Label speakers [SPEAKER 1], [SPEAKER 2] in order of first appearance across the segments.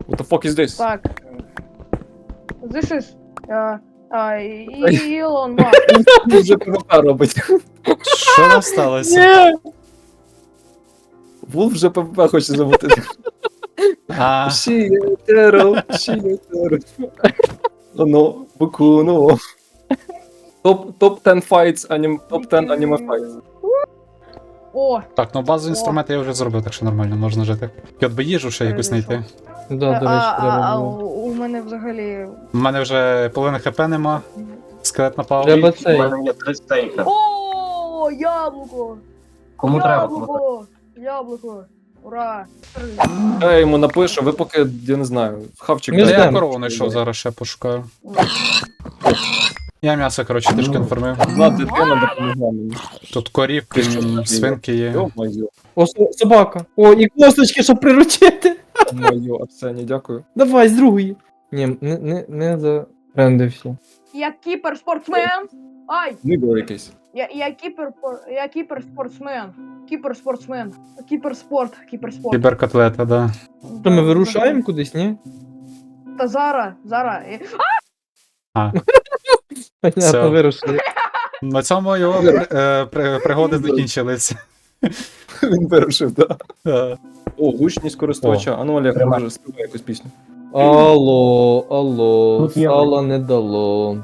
[SPEAKER 1] What the fuck is this?
[SPEAKER 2] Так. This is... Ілон Маск.
[SPEAKER 1] Вже ПВП робить.
[SPEAKER 3] Що там сталося?
[SPEAKER 1] Ні! Вулф вже ПВП хоче замутити.
[SPEAKER 3] А,
[SPEAKER 1] Шієтеро. Оно, Букуно. Топ 10 fights, топ 10 аніме fights.
[SPEAKER 2] О,
[SPEAKER 3] так, ну базові інструменти я вже зробив, так що нормально, можна жити. І от би їжу ще якусь знайти.
[SPEAKER 4] Да, до речі, треба було.
[SPEAKER 2] у мене взагалі...
[SPEAKER 3] У мене вже половини хп нема. Скелет напав.
[SPEAKER 4] Треба
[SPEAKER 5] У
[SPEAKER 4] цей.
[SPEAKER 5] мене є 3 стейка.
[SPEAKER 2] О, яблуко!
[SPEAKER 5] Кому треба, кому треба.
[SPEAKER 2] Яблуко! Ура!
[SPEAKER 1] Я йому напишу, ви поки, я не знаю, хавчик.
[SPEAKER 4] Ми
[SPEAKER 3] Та
[SPEAKER 1] дайте.
[SPEAKER 3] я
[SPEAKER 4] ждемо.
[SPEAKER 3] корову знайшов, зараз ще пошукаю. Я м'ясо, коротше, трішки інформив.
[SPEAKER 1] Одна дитина допомогла мені.
[SPEAKER 3] Тут корівки, свинки є.
[SPEAKER 1] Йо-моє.
[SPEAKER 4] О, собака. О, і косточки, щоб приручити.
[SPEAKER 1] Моє, Арсені, дякую.
[SPEAKER 4] Давай, з другої. Ні, не запрендився.
[SPEAKER 2] Я кіпер-спортсмен! Ай!
[SPEAKER 1] Нибло якесь.
[SPEAKER 2] Я кіпер-спортсмен. Кіпер-спортсмен. Кіпер-спорт.
[SPEAKER 3] Кіберкотлета, да.
[SPEAKER 4] Що, ми вирушаємо кудись, ні?
[SPEAKER 2] Та зараз.
[SPEAKER 3] А,
[SPEAKER 4] Понятно,
[SPEAKER 3] Все.
[SPEAKER 4] вирушили.
[SPEAKER 3] на цьому його пригоди закінчились.
[SPEAKER 1] Він вирушив, так.
[SPEAKER 3] Е,
[SPEAKER 1] О, гучність користувача. А ну, Олег, може, співай якусь пісню.
[SPEAKER 4] Алло,
[SPEAKER 5] Тут є.
[SPEAKER 4] сала не дало.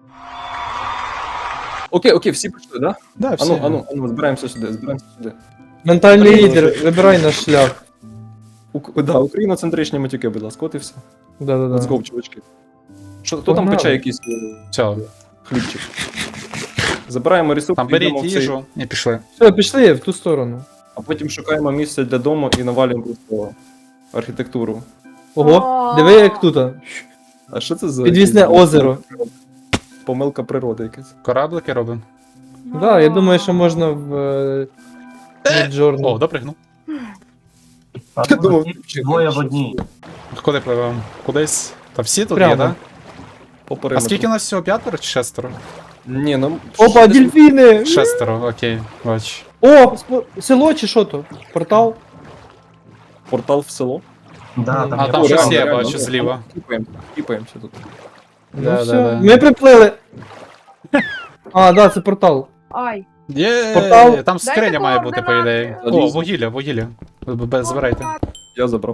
[SPEAKER 1] Окей, всі прийшли, да?
[SPEAKER 3] Да, всі.
[SPEAKER 1] Ану, збираємося сюди.
[SPEAKER 4] Ментальний лідер, вибирай наш шлях.
[SPEAKER 1] Да, україноцентричні матюки, будь ласка, от і все. Let's
[SPEAKER 4] Да-да-да.
[SPEAKER 1] go, чувачки. Хто там
[SPEAKER 4] Погнали.
[SPEAKER 1] пече якийсь
[SPEAKER 3] Все,
[SPEAKER 1] хлібчик? Забираємо ресурси,
[SPEAKER 3] там
[SPEAKER 1] йдемо
[SPEAKER 3] беріть
[SPEAKER 1] в цей,
[SPEAKER 3] їжу і пішли.
[SPEAKER 4] Все, пішли в ту сторону.
[SPEAKER 1] а потім шукаємо місце для дому і навалюємо просто архітектуру.
[SPEAKER 4] Ого, диви як тут.
[SPEAKER 1] А що це за...
[SPEAKER 4] Підвісне
[SPEAKER 1] якийсь-
[SPEAKER 4] озеро.
[SPEAKER 1] Помилка природи якась.
[SPEAKER 3] Кораблики робимо.
[SPEAKER 4] Да, я думаю, що можна в
[SPEAKER 3] О,
[SPEAKER 4] Midjourney.
[SPEAKER 3] допригнув.
[SPEAKER 5] А
[SPEAKER 1] Я думав,
[SPEAKER 5] тут двоє в одній.
[SPEAKER 3] Куди пливемо? Кудись? Та всі тут
[SPEAKER 4] Прямо.
[SPEAKER 3] є, так?
[SPEAKER 1] По
[SPEAKER 3] А
[SPEAKER 1] периметру.
[SPEAKER 3] скільки нас всього? П'ятеро чи шестеро?
[SPEAKER 1] Ні, ну...
[SPEAKER 4] Опа,
[SPEAKER 1] десь-
[SPEAKER 4] дельфіни!
[SPEAKER 3] Шестеро, окей, бач.
[SPEAKER 4] О, село чи що то? Портал?
[SPEAKER 1] Портал в село.
[SPEAKER 5] Да,
[SPEAKER 3] А
[SPEAKER 5] є
[SPEAKER 3] там
[SPEAKER 1] О,
[SPEAKER 3] щось
[SPEAKER 1] реально,
[SPEAKER 3] є,
[SPEAKER 1] реально,
[SPEAKER 3] бачу,
[SPEAKER 1] ну,
[SPEAKER 3] зліва.
[SPEAKER 1] Кіпаємося тут.
[SPEAKER 4] Ну
[SPEAKER 3] Да,
[SPEAKER 4] все,
[SPEAKER 3] да, да.
[SPEAKER 4] ми приплили. А, да, це портал.
[SPEAKER 2] Ай!
[SPEAKER 3] Є,
[SPEAKER 4] Портал.
[SPEAKER 3] там скриня
[SPEAKER 2] Дайте
[SPEAKER 3] має бути, по ідеї.
[SPEAKER 1] координати.
[SPEAKER 3] О, вугілля. Збирайте.
[SPEAKER 1] Я забрав.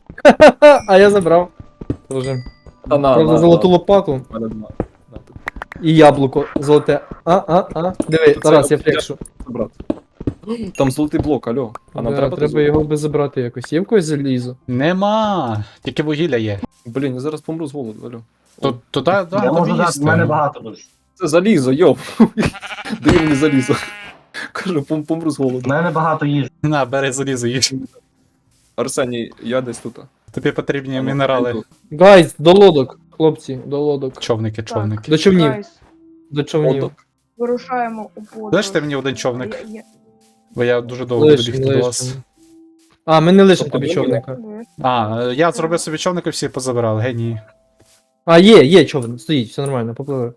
[SPEAKER 4] А я забрав. Тоже.
[SPEAKER 1] Та на,
[SPEAKER 4] Правда, золоту лопату
[SPEAKER 1] У мене нема. На, тут.
[SPEAKER 4] і яблуко золоте. Диви,
[SPEAKER 1] Це
[SPEAKER 4] Тарас, я
[SPEAKER 1] от
[SPEAKER 4] флекшу.
[SPEAKER 1] Забрати. Там золотий блок, алло. А нам треба...
[SPEAKER 4] Треба його би забрати якось. Є в когось залізо?
[SPEAKER 3] Нема. Тільки вугілля є.
[SPEAKER 1] Блін, я зараз помру з голоду, алло.
[SPEAKER 3] Тут туди,
[SPEAKER 5] Я
[SPEAKER 3] да,
[SPEAKER 5] можу
[SPEAKER 3] тобі
[SPEAKER 5] дати, в мене
[SPEAKER 3] їсти.
[SPEAKER 5] багато дуже.
[SPEAKER 1] Це залізо, йоп. Дай мені залізо. Кажу, помру з голоду.
[SPEAKER 5] В мене багато їжі.
[SPEAKER 3] На, бери залізо їж.
[SPEAKER 1] Арсеній, я десь тут.
[SPEAKER 3] Тобі потрібні мінерали.
[SPEAKER 4] Гайз, до лодок, хлопці, до лодок.
[SPEAKER 3] Човники.
[SPEAKER 4] До човнів.
[SPEAKER 2] Гайс,
[SPEAKER 4] До човнів.
[SPEAKER 1] Отак.
[SPEAKER 2] вирушаємо у подорож.
[SPEAKER 3] Лиште мені один човник,
[SPEAKER 2] Я-
[SPEAKER 3] бо я дуже довго буду
[SPEAKER 4] Лишим,
[SPEAKER 3] бігти до вас.
[SPEAKER 4] лишим. А, ми не лишимо тобі
[SPEAKER 1] Тобто,
[SPEAKER 4] човника.
[SPEAKER 3] А, я зробив собі човник і всі позабирали, генії.
[SPEAKER 4] А, є човен, стоїть, все нормально, попливи.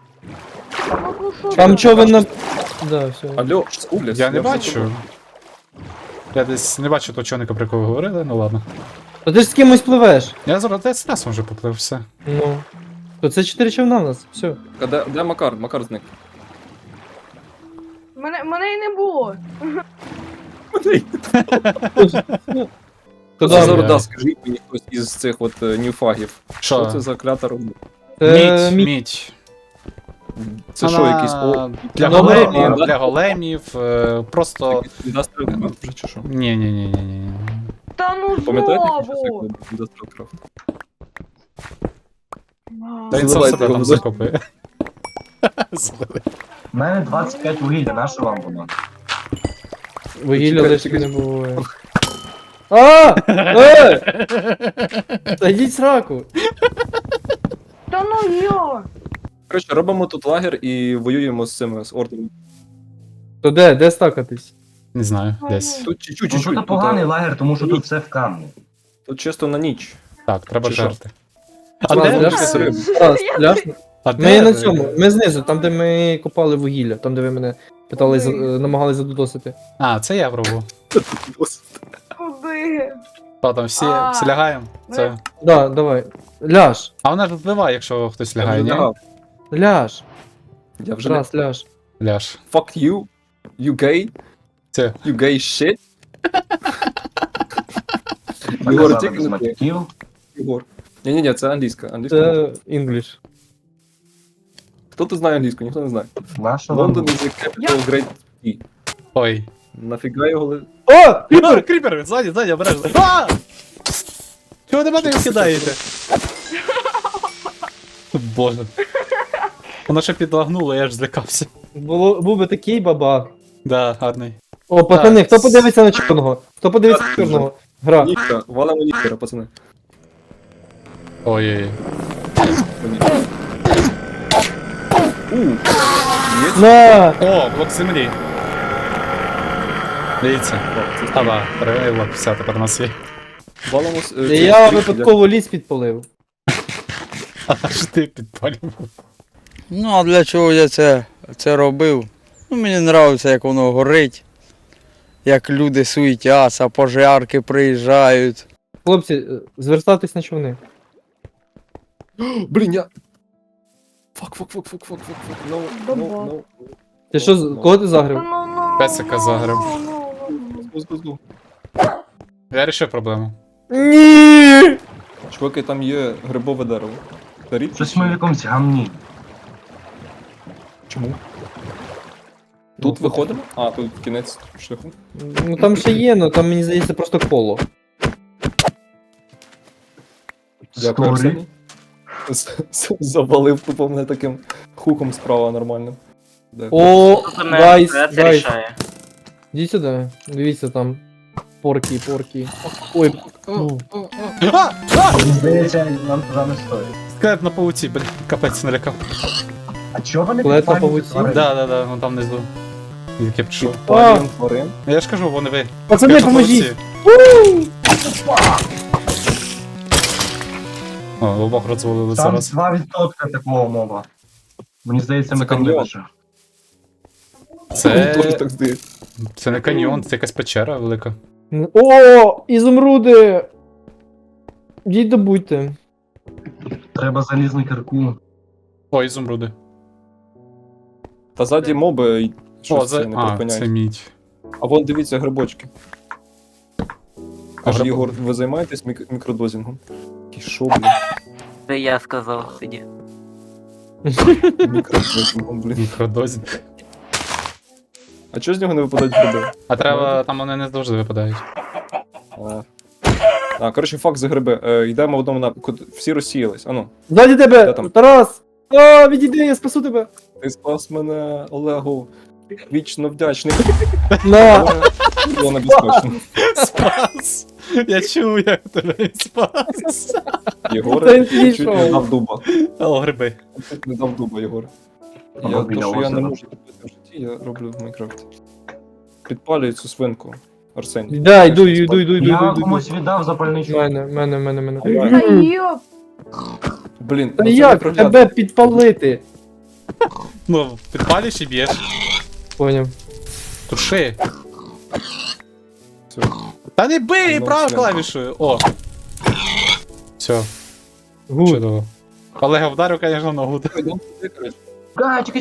[SPEAKER 2] Ну, що
[SPEAKER 4] Там
[SPEAKER 2] ти?
[SPEAKER 4] човен на... Да, все.
[SPEAKER 1] Алло, скуліс.
[SPEAKER 3] Я не бачу. Я десь не бачу того човника, про якого ви говорили, ну ладно.
[SPEAKER 4] Та ти ж з кимось пливеш.
[SPEAKER 3] Я зараз десь раз вже поплив, все.
[SPEAKER 4] Ну. То це 4 човна в нас, все.
[SPEAKER 1] Де Макар? Макар зник.
[SPEAKER 2] Мене й не було.
[SPEAKER 4] Куди
[SPEAKER 1] Це
[SPEAKER 4] ми?
[SPEAKER 1] зараз, да, скажіть мені хтось із цих от ньюфагів. Що
[SPEAKER 3] Що?
[SPEAKER 1] це за клята робота?
[SPEAKER 4] Це
[SPEAKER 3] Мідь.
[SPEAKER 1] Це що, якийсь... О,
[SPEAKER 3] Для
[SPEAKER 4] Ну,
[SPEAKER 3] големів,
[SPEAKER 1] да.
[SPEAKER 3] для големів, просто...
[SPEAKER 1] якийсь Industrial Craft вже чи що?
[SPEAKER 3] Ні.
[SPEAKER 2] Та ну
[SPEAKER 1] Пам'ятаєте, який час
[SPEAKER 2] знову!
[SPEAKER 1] як Industrial Craft?
[SPEAKER 3] Та він сам
[SPEAKER 1] Заливайте
[SPEAKER 3] себе
[SPEAKER 1] його
[SPEAKER 3] там
[SPEAKER 1] в
[SPEAKER 3] закопує.
[SPEAKER 5] В мене 25 вугілля, на що вам воно?
[SPEAKER 4] Вугілля
[SPEAKER 1] Чекай,
[SPEAKER 4] лишки
[SPEAKER 1] чекай.
[SPEAKER 4] не буває. А! Та йдіть сраку!
[SPEAKER 2] Та ну йо!
[SPEAKER 1] Коротше, робимо тут лагер і воюємо з цими, з ордами.
[SPEAKER 4] То де стакатись?
[SPEAKER 3] Не знаю, десь.
[SPEAKER 1] Тут чуть-чуть,
[SPEAKER 5] Ну
[SPEAKER 1] чуть-чуть.
[SPEAKER 5] тут поганий лагер, тому що тут все в камні.
[SPEAKER 1] Тут чисто на ніч.
[SPEAKER 3] Так, треба
[SPEAKER 1] Чи що?
[SPEAKER 3] жерти.
[SPEAKER 4] А,
[SPEAKER 3] А де?
[SPEAKER 4] ляшно?
[SPEAKER 1] риб.
[SPEAKER 4] Раз, ляшно.
[SPEAKER 3] А
[SPEAKER 4] Ми на цьому, ми знизу, там де ми копали вугілля, там де ви мене питали, намагались задудосити.
[SPEAKER 3] А, це я пробував.
[SPEAKER 2] Куди?
[SPEAKER 3] Що там, всі лягаємо? Це...
[SPEAKER 4] Да, давай. Ляж.
[SPEAKER 3] А вона ж вбиває, якщо хтось лягає, ні?
[SPEAKER 4] Ляж.
[SPEAKER 1] Я вже
[SPEAKER 4] Раз, ляж.
[SPEAKER 3] Ляж.
[SPEAKER 1] Fuck you. You gay.
[SPEAKER 3] Це.
[SPEAKER 1] You gay shit. Єгор,
[SPEAKER 5] Показали
[SPEAKER 1] тільки
[SPEAKER 5] без
[SPEAKER 1] не ти.
[SPEAKER 5] матюків.
[SPEAKER 1] Єгор. Ні-ні-ні, це англійська. Англійська.
[SPEAKER 4] Це English.
[SPEAKER 1] Хто тут знає англійську? Ніхто не знає.
[SPEAKER 5] Наша вам
[SPEAKER 1] London is the capital Great Sea.
[SPEAKER 3] Ой.
[SPEAKER 1] Нафіга його ли...
[SPEAKER 4] О!
[SPEAKER 3] Кріпер! Кріпер! Ззаді, обережно. А! Чого ви мене кидаєте? Боже. Воно ще підлагнуло, я ж злякався.
[SPEAKER 4] Був би такий бабах.
[SPEAKER 3] Да, гарний.
[SPEAKER 4] О, пацани,
[SPEAKER 3] Так.
[SPEAKER 4] хто подивиться на чорного? Хто подивиться на чорного? Гра.
[SPEAKER 1] Ніхера. Валимо ніхера, пацани.
[SPEAKER 3] Ой-ой-ой.
[SPEAKER 1] Є?
[SPEAKER 4] На!
[SPEAKER 3] О, блок землі. Дивіться. Ава, перевели блок, все, тепер у нас є.
[SPEAKER 1] Валимо...
[SPEAKER 4] Я випадково ліс підпалив.
[SPEAKER 3] А ж ти підпалював.
[SPEAKER 6] Ну, а для чого я це робив? Ну, мені подобається, як воно горить, як люди суетяться, пожарки приїжджають.
[SPEAKER 4] Хлопці, звертатись на човни.
[SPEAKER 1] Блін, я... Fuck. No,
[SPEAKER 2] Баба.
[SPEAKER 1] no.
[SPEAKER 4] Ти що, кого ти
[SPEAKER 2] Та
[SPEAKER 4] загрив?
[SPEAKER 2] ну.
[SPEAKER 3] Песика загрив.
[SPEAKER 1] Гу.
[SPEAKER 3] Я рішив проблему.
[SPEAKER 4] Ні!
[SPEAKER 1] Чуваки, там є грибове дерево. Та рідко
[SPEAKER 5] Щось
[SPEAKER 1] чи
[SPEAKER 5] ми в
[SPEAKER 1] ні?
[SPEAKER 5] якомусь гамні.
[SPEAKER 1] Чому? Тут виходимо? А, тут кінець шляху.
[SPEAKER 4] Ну там ще є, але там мені здається просто коло.
[SPEAKER 1] Дякую,
[SPEAKER 5] Сторі.
[SPEAKER 1] Арсеній. Завалив тупо мене таким хуком справа нормальним. Дякую.
[SPEAKER 4] О,
[SPEAKER 7] Тут
[SPEAKER 4] гайс,
[SPEAKER 7] це
[SPEAKER 4] гайс.
[SPEAKER 7] рішає.
[SPEAKER 4] Іди сюди. Дивіться там. Порки. Ой, ну.
[SPEAKER 5] Мені здається, нам туди не стоїть.
[SPEAKER 3] Скелет на пауці, блін, капець налякав.
[SPEAKER 5] А чого вони
[SPEAKER 4] Скелет на
[SPEAKER 5] підпалюють
[SPEAKER 4] павуці?
[SPEAKER 5] тварин?
[SPEAKER 3] Да, вон там внизу. Як я пішов.
[SPEAKER 1] Паліон тварин.
[SPEAKER 3] Я ж кажу, вони ви.
[SPEAKER 4] Пацани,
[SPEAKER 3] Скелет на
[SPEAKER 4] поможіть!
[SPEAKER 3] павуці. О, обох розвалили
[SPEAKER 5] Там
[SPEAKER 3] зараз.
[SPEAKER 5] 2% такого моба. Мені здається, ми
[SPEAKER 1] Це
[SPEAKER 5] там не
[SPEAKER 1] каньйон.
[SPEAKER 5] лише.
[SPEAKER 1] Мені теж
[SPEAKER 3] Це...
[SPEAKER 1] так здається.
[SPEAKER 3] Це не каньйон, це якась печера велика.
[SPEAKER 4] О, ізумруди! Йдіть добудьте.
[SPEAKER 5] Треба залізну кирку.
[SPEAKER 3] О, ізумруди.
[SPEAKER 1] Та ззаді моби й
[SPEAKER 3] О,
[SPEAKER 1] щось це не
[SPEAKER 3] це
[SPEAKER 1] припиняють.
[SPEAKER 3] мідь.
[SPEAKER 1] А вон дивіться грибочки. Каже,
[SPEAKER 3] гриб-
[SPEAKER 1] Єгор, ви займаєтесь мікродозінгом? Який шо, блін?
[SPEAKER 7] Це я сказав тоді.
[SPEAKER 1] Мікродозінгом, блін.
[SPEAKER 3] Мікродозі.
[SPEAKER 1] А чого з нього не випадають гриби?
[SPEAKER 3] А треба, там вони не завжди випадають.
[SPEAKER 1] Коротше, факт за гриби. Йдемо в одному напрямку. Всі розсіялись. Ану,
[SPEAKER 4] Ззаді
[SPEAKER 1] Де
[SPEAKER 4] тебе!
[SPEAKER 1] там?
[SPEAKER 4] Тарас! О, відійди, я спасу тебе!
[SPEAKER 1] ти спас мене, Олегу. Вічно вдячний.
[SPEAKER 4] На!
[SPEAKER 1] Але було небезпечно.
[SPEAKER 3] Спас! Я чув, як тебе спас.
[SPEAKER 1] Єгор,
[SPEAKER 4] Та він
[SPEAKER 1] чуть не
[SPEAKER 4] пішов.
[SPEAKER 1] дав дуба.
[SPEAKER 3] О, гриби.
[SPEAKER 1] Чуть не дав дуба, Єгор.
[SPEAKER 5] Або
[SPEAKER 1] Я,
[SPEAKER 5] біля
[SPEAKER 1] то, що я не
[SPEAKER 5] озера.
[SPEAKER 1] можу робити в житті, я роблю в Майнкрафті. Підпалюю цю свинку, Арсеній.
[SPEAKER 4] Да, йду.
[SPEAKER 5] Я комусь віддав запальничок.
[SPEAKER 4] Мене.
[SPEAKER 2] Та йоп.
[SPEAKER 1] Блін,
[SPEAKER 4] Та
[SPEAKER 1] ну це
[SPEAKER 4] як
[SPEAKER 1] непроглядно.
[SPEAKER 4] тебе підпалити?
[SPEAKER 3] Ну, підпалюєш і б'єш.
[SPEAKER 4] Поняв.
[SPEAKER 3] Туши.
[SPEAKER 1] Все.
[SPEAKER 3] Та не бий,
[SPEAKER 1] Ну,
[SPEAKER 3] правою
[SPEAKER 1] все.
[SPEAKER 3] клавішою. О. Все,
[SPEAKER 4] Гуд.
[SPEAKER 3] чудово. Олега вдарив, звісно, ногу.
[SPEAKER 1] Йдемо туди, коротше.
[SPEAKER 5] А, чекай.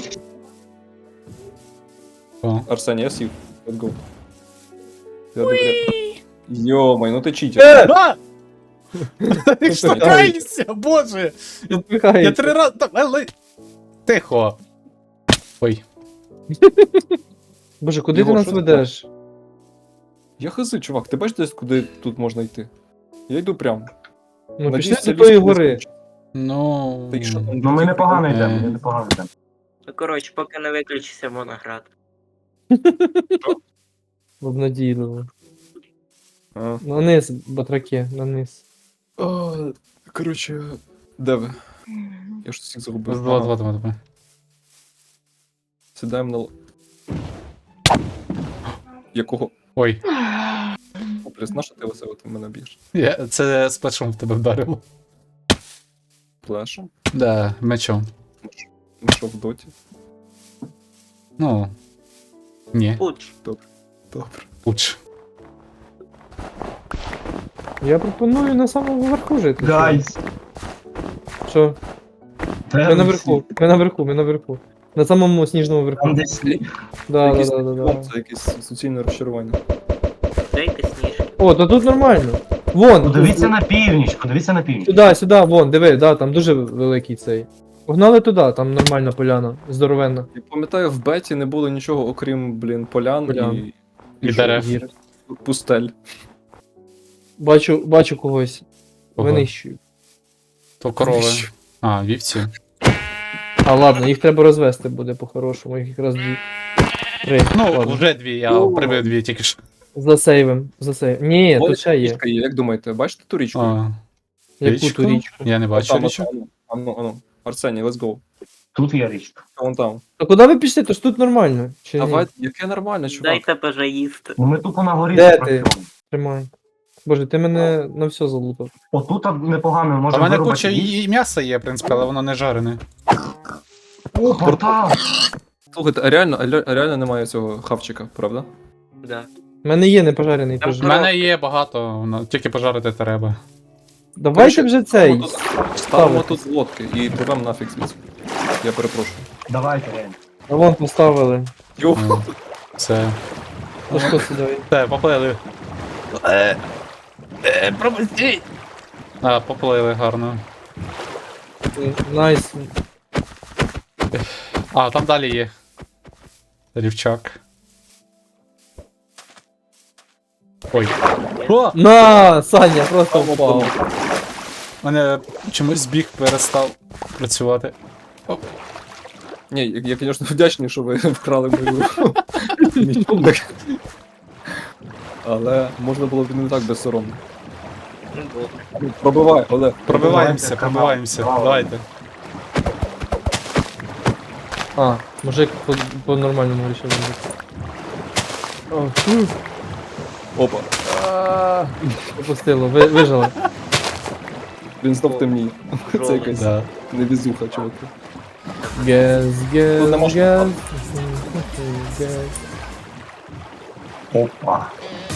[SPEAKER 3] О.
[SPEAKER 1] Арсеній, я сів. Let's go. Я добре. Йомай, ну ти читер.
[SPEAKER 3] А! Ти штукаєшся, боже! Я 3 рази... Але... Тихо. Ой.
[SPEAKER 4] Боже, куди ти
[SPEAKER 1] Єгор,
[SPEAKER 4] нас
[SPEAKER 1] що ти
[SPEAKER 4] ведеш?
[SPEAKER 1] Я хази, чувак, ти бачиш десь, куди тут можна йти? Я йду прямо.
[SPEAKER 4] Ну,
[SPEAKER 1] Надіюсь,
[SPEAKER 4] пішли
[SPEAKER 1] це
[SPEAKER 4] до тої
[SPEAKER 1] ліс колись
[SPEAKER 4] гори.
[SPEAKER 1] кончиться.
[SPEAKER 3] Ну...
[SPEAKER 1] Та й що там?
[SPEAKER 5] Ну ми непогано
[SPEAKER 3] Е.
[SPEAKER 5] йдемо, ми непогано йдемо.
[SPEAKER 7] Ну, коротше, поки не виключиться моноград.
[SPEAKER 4] Обнадійливо.
[SPEAKER 1] А.
[SPEAKER 4] На низ, батраки, на низ.
[SPEAKER 1] Коротше, де ви? Я ж всіх загубив.
[SPEAKER 3] Два.
[SPEAKER 1] Сідаємо на... Якого?
[SPEAKER 3] Ой.
[SPEAKER 1] Плюс, на що ти оце ти мене б'єш?
[SPEAKER 3] Це з плечом в тебе вдарило.
[SPEAKER 1] Плешем?
[SPEAKER 3] Да, мечом.
[SPEAKER 1] Ну що, в доті?
[SPEAKER 3] Ну... Ні.
[SPEAKER 7] Пуч.
[SPEAKER 1] Добре.
[SPEAKER 3] Уч.
[SPEAKER 4] Я пропоную на самому верху жити.
[SPEAKER 5] Гайс.
[SPEAKER 4] Що? Ми наверху, ми наверху, ми наверху. На самому сніжному верху.
[SPEAKER 5] Там десь
[SPEAKER 4] Да,
[SPEAKER 1] Якийсь
[SPEAKER 4] да, да, да, да.
[SPEAKER 1] Це якесь суцільне розчарування.
[SPEAKER 7] Дайте сніжки.
[SPEAKER 4] О, то тут нормально. Вон,
[SPEAKER 5] подивіться на північ, подивіться на північ.
[SPEAKER 4] сюди, сюди, вон, диви, да, там дуже великий цей. Погнали туди, там нормальна поляна, здоровенна.
[SPEAKER 1] Я пам'ятаю, в беті не було нічого, окрім, блін, полян
[SPEAKER 4] Полян.
[SPEAKER 3] І дерев.
[SPEAKER 4] Гір.
[SPEAKER 1] пустель.
[SPEAKER 4] Бачу когось.
[SPEAKER 3] Ого.
[SPEAKER 4] Винищую.
[SPEAKER 3] То корови. А, вівці.
[SPEAKER 4] А ладно, їх треба розвести буде по-хорошому, їх якраз дві. Три.
[SPEAKER 3] Ну,
[SPEAKER 4] ладно.
[SPEAKER 3] вже дві, я прибив дві тільки що.
[SPEAKER 4] Засейвим, засейвим. Ні,
[SPEAKER 1] Ось
[SPEAKER 4] тут ще є.
[SPEAKER 1] річка як думаєте, бачите ту річку?
[SPEAKER 3] А,
[SPEAKER 4] Яку ту річку?
[SPEAKER 3] Я не бачу
[SPEAKER 1] Там,
[SPEAKER 3] річку.
[SPEAKER 1] ану. Арсеній, let's go.
[SPEAKER 5] Тут є річка.
[SPEAKER 1] Вон там.
[SPEAKER 4] А куди ви пішли? То ж тут нормально. Чи ні?
[SPEAKER 1] Давай, яке нормально, чувак.
[SPEAKER 7] Дайте бажа їсти.
[SPEAKER 5] Ну ми тупо на горі
[SPEAKER 4] Де
[SPEAKER 5] працюємо.
[SPEAKER 4] Тримай. Боже, ти мене на все залутав.
[SPEAKER 5] Отут непогано,
[SPEAKER 3] У
[SPEAKER 5] можемо
[SPEAKER 3] мене
[SPEAKER 5] вирубати
[SPEAKER 3] куча
[SPEAKER 5] ліс.
[SPEAKER 3] і м'яса є, в принципі, але воно не жарене.
[SPEAKER 5] О, портал!
[SPEAKER 1] Слухайте, а реально немає цього хавчика, правда?
[SPEAKER 7] Да.
[SPEAKER 4] У мене є непожарений
[SPEAKER 7] Там
[SPEAKER 4] теж.
[SPEAKER 3] У мене є багато, воно тільки пожарити треба.
[SPEAKER 4] Давайте вже цей.
[SPEAKER 1] Ставимо
[SPEAKER 4] ставити.
[SPEAKER 1] тут лодки і пливемо нафіг звідси. Я перепрошую.
[SPEAKER 5] Давайте, реально.
[SPEAKER 4] А вон поставили.
[SPEAKER 1] Йо,
[SPEAKER 3] Ну, Це.
[SPEAKER 4] Ну що сюди?
[SPEAKER 3] Те, поплили. Пропусти! А, поплили гарно.
[SPEAKER 4] Найс.
[SPEAKER 3] А, там далі є. Рівчак. Ой. О!
[SPEAKER 4] На, Саня, просто впав.
[SPEAKER 3] У мене чомусь збіг перестав працювати.
[SPEAKER 1] ні, я, звісно, вдячний, що ви вкрали мою мій чубик. Але можна було б не так безсоромно.
[SPEAKER 7] Ну, добре.
[SPEAKER 1] Пробивай, Олег.
[SPEAKER 3] Пробиваємося,
[SPEAKER 5] канал.
[SPEAKER 3] пробиваємося.
[SPEAKER 5] Давай.
[SPEAKER 3] Давайте.
[SPEAKER 4] А, мужик по-нормальному вирішив робити.
[SPEAKER 1] Опа.
[SPEAKER 4] Попустило, вижили.
[SPEAKER 1] Він знов темніє. Це якась
[SPEAKER 3] Да.
[SPEAKER 1] невізуха, чуваки.
[SPEAKER 4] Гез,
[SPEAKER 1] Тут не можна
[SPEAKER 4] гез, гез.
[SPEAKER 5] Опа.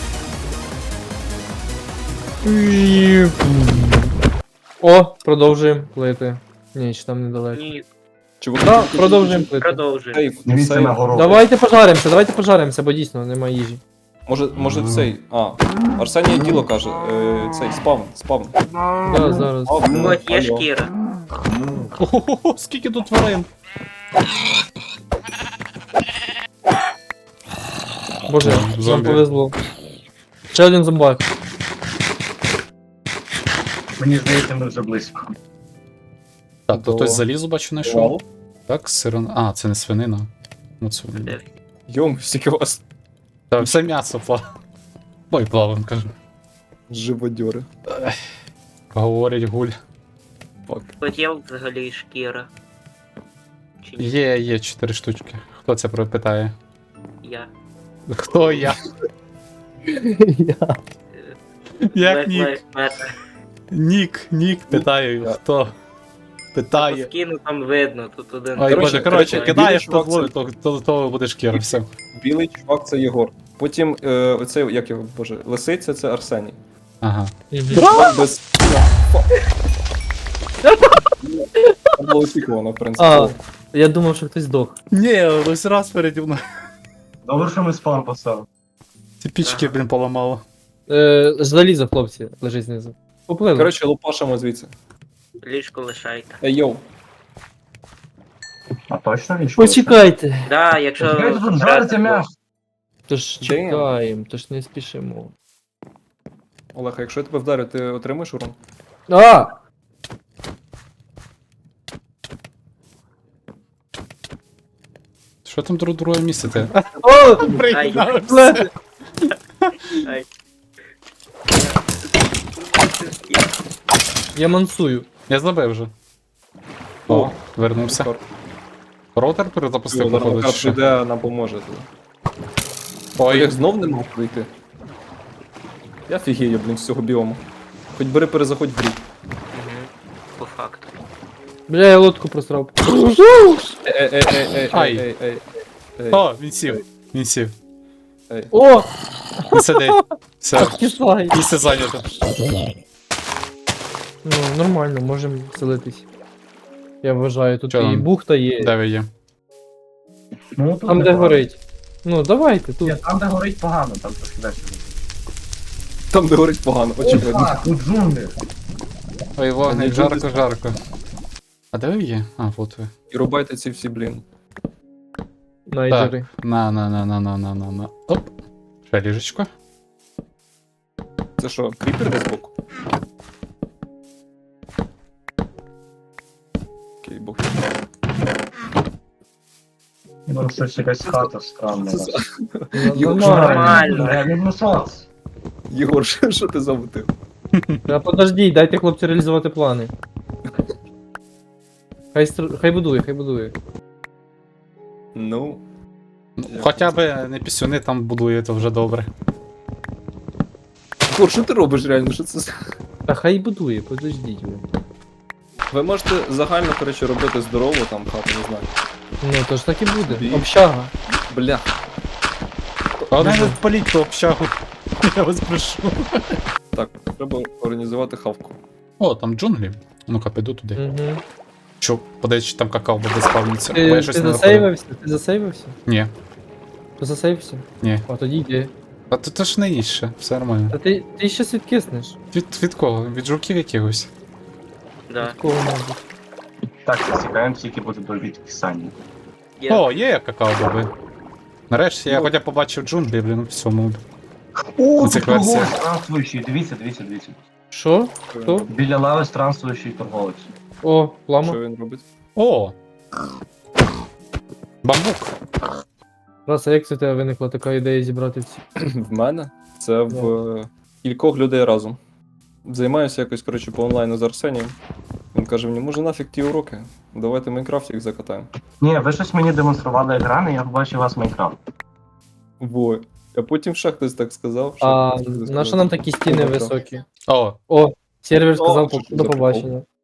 [SPEAKER 4] О, продовжуємо плити. Ні, чи там недалеко.
[SPEAKER 7] Ні,
[SPEAKER 1] Чуваки,
[SPEAKER 4] Так,
[SPEAKER 1] тут
[SPEAKER 4] продовжуємо плити.
[SPEAKER 7] продовжуй.
[SPEAKER 1] сейф,
[SPEAKER 5] Дивіться
[SPEAKER 1] сейф.
[SPEAKER 5] на гору.
[SPEAKER 4] Давайте пожаримося, бо дійсно немає їжі.
[SPEAKER 1] Може цей. А, Арсеній діло каже. Цей спавн.
[SPEAKER 4] Да, зараз.
[SPEAKER 7] От є
[SPEAKER 1] Алло.
[SPEAKER 7] шкіра.
[SPEAKER 3] Ого, скільки тут тварин.
[SPEAKER 4] Боже, нам
[SPEAKER 3] Зомбі.
[SPEAKER 4] повезло. Ще один зомбак.
[SPEAKER 5] Мені здається, ми вже близько.
[SPEAKER 3] Так, то
[SPEAKER 1] До-
[SPEAKER 3] хтось залізу бачу знайшов. Так, сирон. А, це не свинина. Ну, це.
[SPEAKER 7] Де?
[SPEAKER 1] Йом, стільки вас
[SPEAKER 3] Так, все м'ясо плаває. Ой, плавим, кажу.
[SPEAKER 1] живодьори.
[SPEAKER 3] Говорить гуль.
[SPEAKER 1] Фак.
[SPEAKER 7] От є взагалі шкіра. Чи ні?
[SPEAKER 3] Є 4 штучки. Хто це питає?
[SPEAKER 7] Я.
[SPEAKER 3] Хто я? Як
[SPEAKER 7] Black
[SPEAKER 3] нік?
[SPEAKER 7] Lives Matter.
[SPEAKER 3] Нік, питаю,
[SPEAKER 1] Я.
[SPEAKER 3] хто?
[SPEAKER 7] По
[SPEAKER 3] Питає.
[SPEAKER 7] скину там видно, тут один.
[SPEAKER 3] Ой,
[SPEAKER 1] Коротше,
[SPEAKER 3] коротше, кидаєш,
[SPEAKER 1] білий
[SPEAKER 3] то
[SPEAKER 1] чувак
[SPEAKER 3] зловить, то буде шкіра, все.
[SPEAKER 1] Білий чувак це Єгор. Потім оцей, як його, боже, лисиця це Арсеній.
[SPEAKER 3] Ага.
[SPEAKER 1] Чувак без. Це було очікувано, в принципі.
[SPEAKER 4] А, я думав, що хтось здох.
[SPEAKER 3] Ні, ось раз переді мною.
[SPEAKER 5] Добре, що ми спам поставили.
[SPEAKER 3] Ці пічки, блін, поламало.
[SPEAKER 4] Залізо, хлопці, лежить знизу. Поплили.
[SPEAKER 1] Коротше, лупашимо звідси.
[SPEAKER 7] Ліжко лишайте.
[SPEAKER 1] Ей, йоу.
[SPEAKER 5] А точно річка?
[SPEAKER 4] Почекайте.
[SPEAKER 7] Да, якщо.
[SPEAKER 5] Чекайте, тут жариться м'ясо.
[SPEAKER 4] Тож
[SPEAKER 1] Damn.
[SPEAKER 4] чекаємо, тож не спішимо.
[SPEAKER 1] Олег, а якщо я тебе вдарю, ти отримаєш урон?
[SPEAKER 4] А!
[SPEAKER 3] Що там друге місце те?
[SPEAKER 4] О!
[SPEAKER 7] Ай,
[SPEAKER 4] Бле!
[SPEAKER 7] ай.
[SPEAKER 4] Я мансую.
[SPEAKER 3] Я забив вже. О, вернувся. Роутер перезапустив, походу, чи
[SPEAKER 1] Зараз
[SPEAKER 3] що?
[SPEAKER 1] прийде, нам поможе туди.
[SPEAKER 3] Ой,
[SPEAKER 1] Олег знов не мав прийти. Я фігію, блін, з цього біому. Хоч бери перезаходь в рік.
[SPEAKER 7] Мгм. По факту.
[SPEAKER 4] Бля, я лодку просрав.
[SPEAKER 3] Ай.
[SPEAKER 1] Ей.
[SPEAKER 3] О, він сів. Він сів.
[SPEAKER 1] Ей.
[SPEAKER 4] О!
[SPEAKER 3] Він сидить. Все,
[SPEAKER 4] Кисай.
[SPEAKER 3] місце зайнято.
[SPEAKER 4] Ну, нормально, можемо селитись. Я вважаю, тут
[SPEAKER 3] Чо
[SPEAKER 4] і
[SPEAKER 3] там?
[SPEAKER 4] бухта є.
[SPEAKER 3] Де ви є?
[SPEAKER 5] Ну, тут
[SPEAKER 4] Там, де
[SPEAKER 5] непогано.
[SPEAKER 4] горить. Ну, давайте, тут.
[SPEAKER 5] Ні, там, де горить погано, там трошки далі.
[SPEAKER 1] Там, де горить погано, очевидно.
[SPEAKER 5] Опа, тут джунглі.
[SPEAKER 3] Ой, вогник,
[SPEAKER 1] Та
[SPEAKER 3] жарко,
[SPEAKER 1] нічого
[SPEAKER 3] жарко. А де ви є? А, от ви.
[SPEAKER 1] І рубайте ці всі, блін.
[SPEAKER 4] Найдери.
[SPEAKER 3] На. Оп. Ще ліжечко.
[SPEAKER 1] Це що, кріпер десь збоку? Окей, бог.
[SPEAKER 5] Ну, щось якась хата странна.
[SPEAKER 1] Це за-
[SPEAKER 2] Нормально.
[SPEAKER 5] Я люблю соц.
[SPEAKER 1] Єгор, що ти замутив?
[SPEAKER 4] Та подождіть, дайте хлопцю реалізувати плани. Хай будує, хай будує.
[SPEAKER 1] Ну,
[SPEAKER 3] Ну, хоча б не пісюни там будує, то вже добре.
[SPEAKER 1] Єгор, що ти робиш реально? Що це?
[SPEAKER 4] Та хай будує, подождіть ви.
[SPEAKER 1] Ви можете загально, коротше, робити здорову там хату, не знаю.
[SPEAKER 4] Ну, то ж так і буде.
[SPEAKER 1] Бій.
[SPEAKER 4] Общага.
[SPEAKER 1] Бля.
[SPEAKER 3] Але не паліть ту общагу. Я вас прошу.
[SPEAKER 1] Так, треба організувати хавку.
[SPEAKER 3] О, там джунглі. Ну-ка, піду туди.
[SPEAKER 4] Угу.
[SPEAKER 3] Що, подивись, чи там какао буде спавниться. Бо я
[SPEAKER 4] Ти
[SPEAKER 3] щось не знаходив.
[SPEAKER 4] засейвився? Ти засейвився?
[SPEAKER 3] Ні,
[SPEAKER 4] Ти засейвився?
[SPEAKER 3] ні.
[SPEAKER 4] А тоді йди.
[SPEAKER 3] А то ж не їсть ще, все нормально.
[SPEAKER 4] Та ти щас відкиснеш.
[SPEAKER 3] Від кого? Від жуків якихось.
[SPEAKER 7] Да.
[SPEAKER 4] Такого мабуть.
[SPEAKER 5] Так, засікаємо, тільки буде до відкисання.
[SPEAKER 7] Є.
[SPEAKER 3] О, є какао боби. Нарешті я
[SPEAKER 1] Ну.
[SPEAKER 3] хоча побачив джунглі, блін, у всьому.
[SPEAKER 5] О,
[SPEAKER 3] На цих
[SPEAKER 5] тут торговець
[SPEAKER 3] версіях.
[SPEAKER 5] странствуючий, дивіться.
[SPEAKER 4] Що? Хто?
[SPEAKER 5] Біля лави странствуючий торговець.
[SPEAKER 4] О, плама.
[SPEAKER 1] Що він робить?
[SPEAKER 3] О! Бамбук.
[SPEAKER 4] Раз, а як це в тебе виникла така ідея зібрати ці?
[SPEAKER 1] В мене? Це в кількох людей разом. Займаюся якось, коротше, по онлайну з Арсенієм. Він каже мені, може нафіг ті уроки? Давайте Майнкрафт їх закатаємо.
[SPEAKER 5] Ні, ви щось мені демонстрували екрани, я побачив у вас Майнкрафт.
[SPEAKER 1] Во. А потім ще хтось так сказав. ще
[SPEAKER 4] А
[SPEAKER 1] хтось так
[SPEAKER 4] на
[SPEAKER 1] сказав.
[SPEAKER 4] що нам такі стіни
[SPEAKER 1] Майнкрафт.
[SPEAKER 4] високі?
[SPEAKER 3] О,
[SPEAKER 4] О, сервер сказав
[SPEAKER 1] що
[SPEAKER 4] до
[SPEAKER 1] за
[SPEAKER 4] побачення.